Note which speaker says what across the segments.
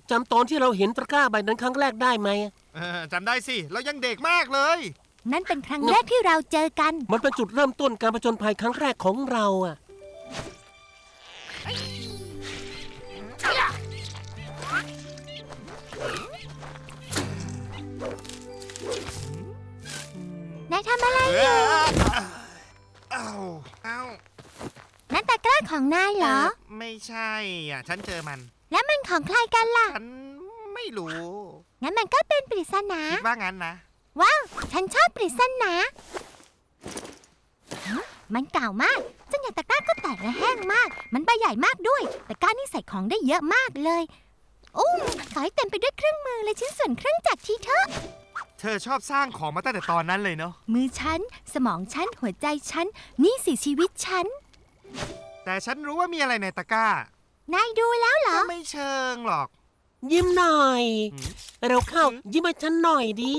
Speaker 1: จำตอนที่เราเห็นตะกร้าใบนั้นครั้งแรกได้ไหม
Speaker 2: จำได้สิ เรายังเด็กมากเลย
Speaker 3: นั่นเป็นครั้งแรกที่เราเจอกัน
Speaker 1: มันเป็นจุดเริ่มต้นการผจญภัยครั้งแรกของเราอะ
Speaker 3: นายทำอะไร
Speaker 2: เอ้า
Speaker 3: นั่นตะกร้าของนายเหรอ
Speaker 2: ไม่ใช่อ่ะ ฉันเจอมัน
Speaker 3: แล้วมันของใครกันล่ะ
Speaker 2: ฉันไม่รู้
Speaker 3: งั้นมันก็เป็นปริศนา
Speaker 2: คิดว่างั้นนะ
Speaker 3: ว้าว ฉันชอบปริศนาฮะมันเก่ามากซึ่งอย่างตะกร้าก็แตกและแห้งมาก มันใบใหญ่มากด้วย ตะกร้านี่ใส่ของได้เยอะมากเลยขอให้เต็มไปด้วยเครื่องมือและชิ้นส่วนเครื่องจักรทีเถอะ
Speaker 2: เธอชอบสร้างของมาตั้งแต่ตอนนั้นเลยเนาะ
Speaker 3: มือฉัน สมองฉัน หัวใจฉัน นี่สิชีวิตฉัน
Speaker 2: แต่ฉันรู้ว่ามีอะไรในตะกร้าน
Speaker 3: ายดูแล้วเหรอ
Speaker 2: ก็ไม่เชิงหรอก
Speaker 1: ยิ้มหน่อย
Speaker 2: หืม
Speaker 1: เร็วเข้า ยิ้มให้ฉันหน่อยดิ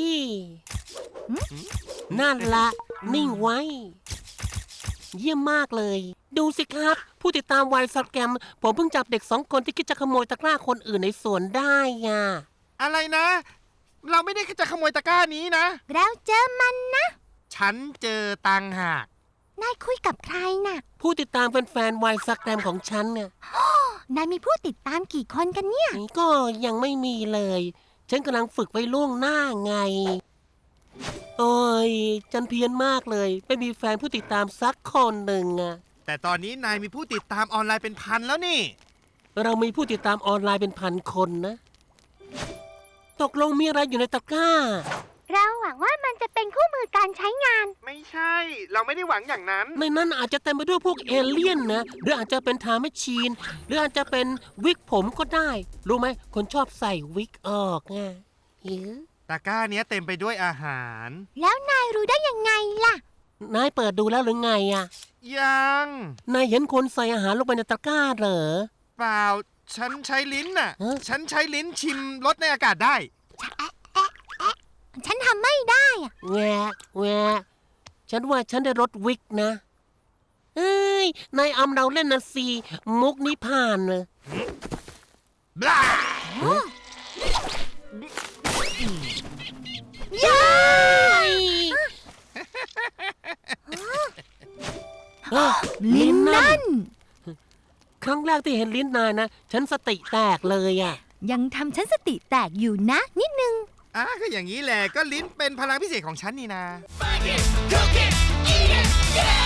Speaker 1: นั่นละนิ่งไว้ เยี่ยมมากเลย ดูสิครับ ผู้ติดตามวายสแกมผมเพิ่งจับเด็ก2 คนที่คิดจะขโมยตะกร้าคนอื่นในสวนได้ไง
Speaker 2: อะไรนะ เราไม่ได้จะขโมยตะกร้านี้นะ
Speaker 3: เราเจอมันนะ
Speaker 2: ฉันเจอตังหาก
Speaker 3: นายคุยกับใครน่ะ
Speaker 1: ผู้ติดตามแฟนๆวายสแกมของฉันเนี่ย
Speaker 3: นายมีผู้ติดตามกี่คนกันเนี่ย
Speaker 1: ก็ยังไม่มีเลย ฉันกำลังฝึกไว้ล่วงหน้าไง โอ้ยฉันเพี้ยนมากเลย ไม่มีแฟนผู้ติดตามสักคนหนึ่งอะ
Speaker 2: แต่ตอนนี้นายมีผู้ติดตามออนไลน์เป็นพันแล้วนี่
Speaker 1: เรามีผู้ติดตามออนไลน์เป็น1,000 คนนะ ตกลงมีอะไรอยู่ในตะกร้า
Speaker 3: เราหวังว่ามันจะเป็นคู่มือการใช้งาน
Speaker 2: ไม่ใช่ เราไม่ได้หวังอย่างนั้น
Speaker 1: ในนั้นอาจจะเต็มไปด้วยพวกเอเลี่ยนนะ หรืออาจจะเป็นไทม์แมชชีน หรืออาจจะเป็นวิกผมก็ได้ รู้ไหม คนชอบใส่วิกออกไงหิว
Speaker 2: ตะกร้าเนี้ยเต็มไปด้วยอาหาร
Speaker 3: แล้วนายรู้ได้ยังไงล่ะ
Speaker 1: นายเปิดดูแล้วหรือไงอะ
Speaker 2: ยัง
Speaker 1: นายเห็นคนใส่อาหารลงไปในตะกร้าเหรอ
Speaker 2: เปล่า ฉันใช้ลิ้นน่ะ
Speaker 1: ฮะ
Speaker 2: ฉันใช้ลิ้นชิมรสในอากาศได้
Speaker 3: ฉันทำไม่ได้อะ
Speaker 1: แหวะแหวะฉันว่าฉันได้รถวิกนะ เอ้ย นายอำเราเล่นนะสิมุกนี้ผ่านเลย
Speaker 2: บลา
Speaker 3: ย้า
Speaker 1: ลิ้นนั่
Speaker 3: นั่
Speaker 1: น
Speaker 3: น
Speaker 1: ครั้งแรกที่เห็นลิ้นนายนะ ฉันสติแตกเลยอ่ะ
Speaker 3: ยังทำฉันสติแตกอยู่นะ นิดนึง
Speaker 2: ก็อย่างนี้แหละ ก็ลิ้นเป็นพลังพิเศษของฉันนี่นา
Speaker 4: Find it, cook it, eat it, yeah!